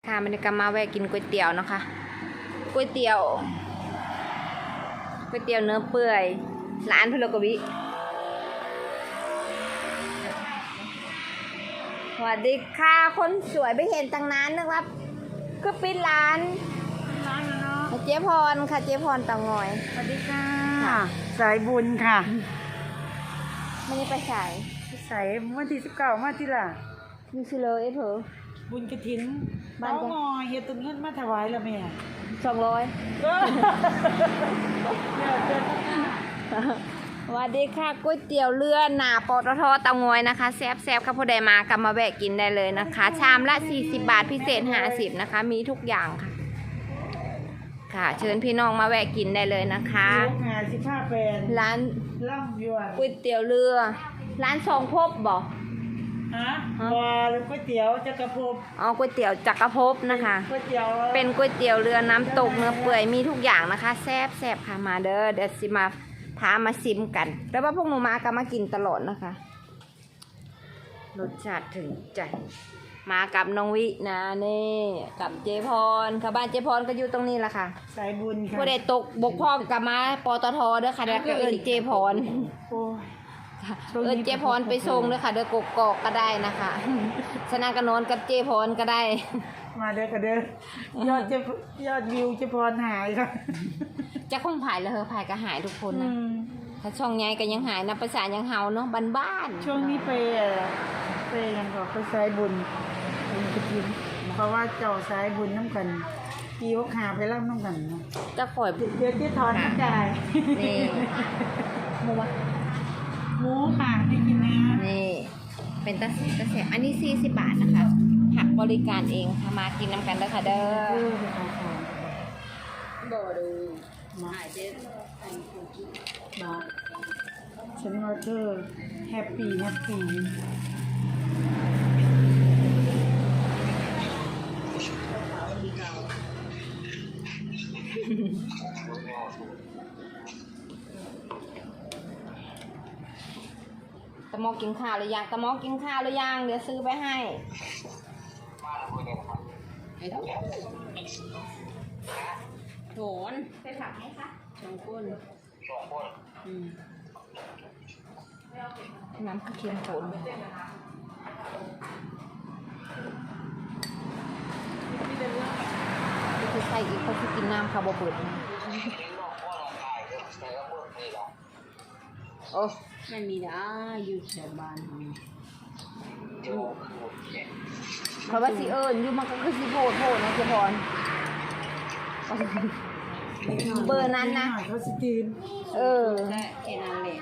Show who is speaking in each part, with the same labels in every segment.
Speaker 1: ค่ะมันก็มาแวะกินก๋วยเตี๋ยวนะคะก๋วยเตี๋ยวเนื้อเปื่อยร้านพลกวิสวัสดีค่ะคนสวยไปเห็นตั้งนานนึกว่าคือปิดร้านเจ๊พรค่ะเจ๊พรเตางอย
Speaker 2: สวัสดีค่ะสายบุญค่ะ
Speaker 1: ไม่ได้ไปสาย
Speaker 2: สายวันที่19มาที่ล่ะ
Speaker 1: มีชิเลยเพอ
Speaker 2: บุญกฐินบ้านงอเฮ็ดตุนเงินมาถวายแล้วแม่
Speaker 1: 200สวัสดีค่ะก๋วยเตี๋ยวเรือหนาปตทเตางอยนะคะแซ่บๆค่ะผู้ใดมากลับมาแวะกินได้เลยนะคะชามละ40 บาทพิเศษ50นะคะมีทุกอย่างค่ะค่ะเชิญพี่น้องมาแวะกินได้เลยนะคะ
Speaker 2: 55 แปลน
Speaker 1: ร้าน
Speaker 2: ล่ำยวน
Speaker 1: ก๋วยเตี๋ยวเรือร้านทรงภพบ่
Speaker 2: ฮะว่าก๋วยเตี๋ยวจักรภพ
Speaker 1: ก๋วยเตี๋ยวจักรภพนะคะเป็นก๋วยเตี๋ยวเรือน้ำตกเนื้อเปื่อยมีทุกอย่างนะคะแซ่บๆค่ะมาเด้อเดี๋ยวสิมาท้ามาซิมกันแล้วว่าพวกหนูมาก็มากินตลอดนะคะรสชาติถึงใจมากับน้องวินะนี่กับเจพรค่ะบ้านเจพรก็อยู่ตรงนี้แหละค่ะ
Speaker 2: สายบุญค่ะ
Speaker 1: ผู้ใดตกบกพร่องกับมาปตทเด้อค่ะแล้วก็เอิ้นเจพรเจพรไปส่งเด้อค่ะเด้อกกอกก็ได้นะคะชนะกันนอนกับเจพรก็ได้
Speaker 2: มาเด้อค่ะเด้อยอดวิวเจพรหายค่ะ
Speaker 1: จะคงผ่ายแล้วผายก็หายทุกคนนะถ้าช่องใหญ่ก็ยังหายนะภาษายังเฮาเนาะบ้าน
Speaker 2: ช่วงนี้ไปยังก็ไปสายบุญเพราะว่าเจ้าสายบุญน้ำกันกี่วกหาไปรับน้ำกัน
Speaker 1: จะข่อย
Speaker 2: เดี๋ยวที่ถอนกระจาย
Speaker 1: นี่
Speaker 2: หมูค่ะให้กินนะ
Speaker 1: นี่เป็นตะแสบอันนี้40 บาทนะคะหักบริการเองค่ะมากินน้ำกันเด้อค่ะเด้อบ่ดูมาเจ๊
Speaker 2: มาฉันว่าเธอแฮปปี้
Speaker 1: ตะมอกินข้าวหรือยังตะมอกินข้าวหรือยังเดี๋ยวซื้อไปให้โถนไปผักไหมคะ2 คนน้ำกระเทียมโถนคือใส่อีกเขาคือกินน้ำคาร์โบเบิร์ตโอ้ไม่มีนะอยู่แถวบ้านเพราะว่าสิอยู่มันก็คือสิโพดนะเจพรเบอร์นั้นนะ
Speaker 2: เขาสิตีน
Speaker 1: แค่นั้นแหละ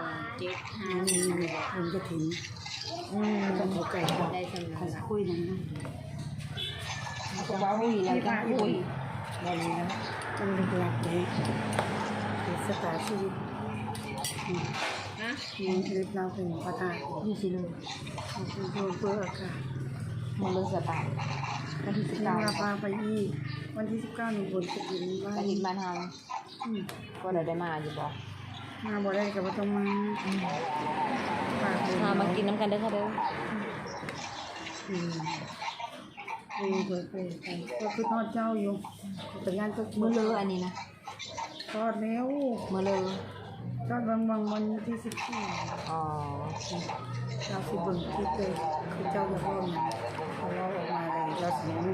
Speaker 2: 275มันจะถึงจะเข้าใจ
Speaker 1: ได้สำหรับ
Speaker 2: คุยนั่นนะ
Speaker 1: จะคุยแล้วจะคุย
Speaker 2: อะไรนะมันเป็นหลักเลยสตาร์ชีวิตนี่เราเป็นประธาน
Speaker 1: อยู่สิเลย
Speaker 2: เพื่อค่ะ
Speaker 1: มันเลยสตาร์วันที่19
Speaker 2: เราพาไปอีกวันที่19นี่บนจะกิน
Speaker 1: บ้านเฮาก็ได้มาอยู่บ่
Speaker 2: มาบ่ได้ก็บ่ต้อง
Speaker 1: มากินน้ำกันเด้อค่ะเด้อ
Speaker 2: เปิดก็คือทอดเจ้าอยู่แต่งานก็
Speaker 1: มื้อเลออันนี้นะ
Speaker 2: ทอดแล้ว
Speaker 1: มื้อเลอ
Speaker 2: ทอดบางวันที่14เราสิเบิ่งคลิปเลยคือเจ้าจะพ่อมาเราออกมาเลยเราเสียง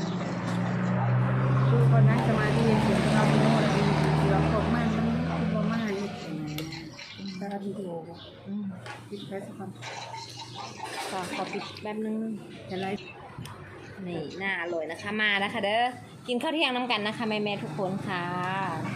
Speaker 2: คือคนนั้นจะมาที่เสียงเราโน้ตเราพบมันคือบ่มาอีกแต่วิดีโอปิดแค่สักคน
Speaker 1: ขอปิดแป๊บนึง
Speaker 2: จะไลฟ์
Speaker 1: นี่น่าอร่อยนะคะมาแล้วค่ะเด้อกินข้าวเที่ยงน้ำกันนะคะแม่ๆทุกคนค่ะ